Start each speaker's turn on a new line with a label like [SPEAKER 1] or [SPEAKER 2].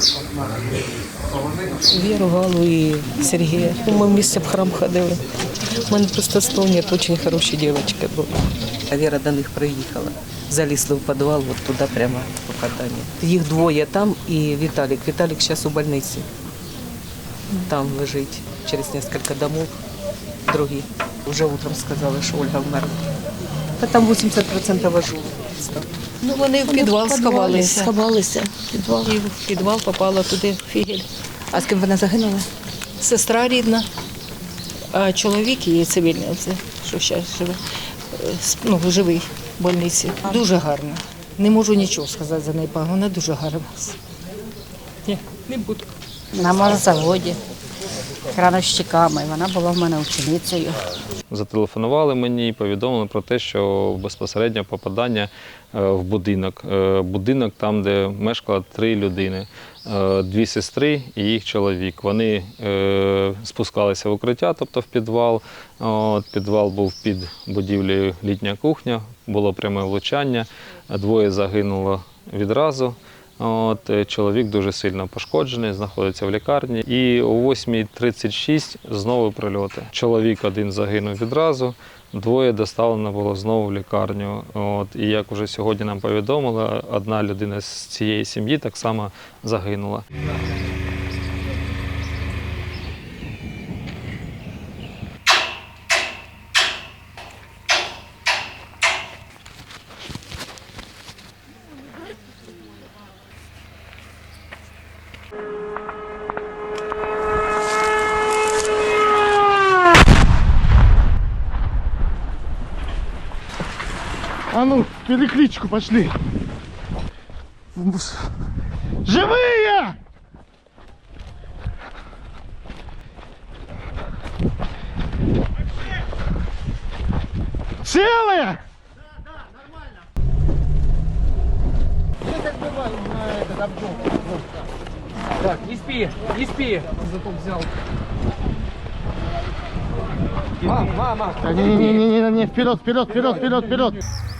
[SPEAKER 1] Віру, Галу і Сергія. Ми вместе в храм ходили. У мене просто слов нет, дуже хороші дівчатки були. А Віра до них приїхала. Залізли в підвал, от туди прямо по катанню. Їх двоє там і Віталік. Віталік зараз у больниці. Там лежить через кілька домов. Другі. Вже утром сказали, що Ольга вмерла. Та там 80% ажу. Ну, вони в підвал сховалися. І в підвал попала туди фігель.
[SPEAKER 2] А з ким вона загинула?
[SPEAKER 1] Сестра рідна, а чоловік її цивільний, оце, що зараз живе, ну, живий в больниці. Дуже гарно. Не можу нічого сказати за неї, вона дуже гарна. Ні, не буду.
[SPEAKER 2] На морозаводі, крановщиками. Вона була в мене ученицею.
[SPEAKER 3] Зателефонували мені і повідомили про те, що безпосередньо попадання в будинок. Будинок там, де мешкало 3 людини. 2 сестри і їх чоловік. Вони спускалися в укриття, тобто в підвал. Підвал був під будівлею літня кухня, було пряме влучання. 2 загинуло відразу. Чоловік дуже сильно пошкоджений, знаходиться в лікарні. І о 8:36 знову прильоти. Чоловік 1 загинув відразу, 2 доставлено було знову в лікарню. І як вже сьогодні нам повідомили, 1 людина з цієї сім'ї так само загинула.
[SPEAKER 4] А ну, перекличку пошли. Живые! Целые? Да, нормально. Здесь отбивали на этот объем.
[SPEAKER 5] Так, не спи, не спи. Зато взял.
[SPEAKER 4] Мама! Не, вперед, вперед, вперед, вперед, вперед!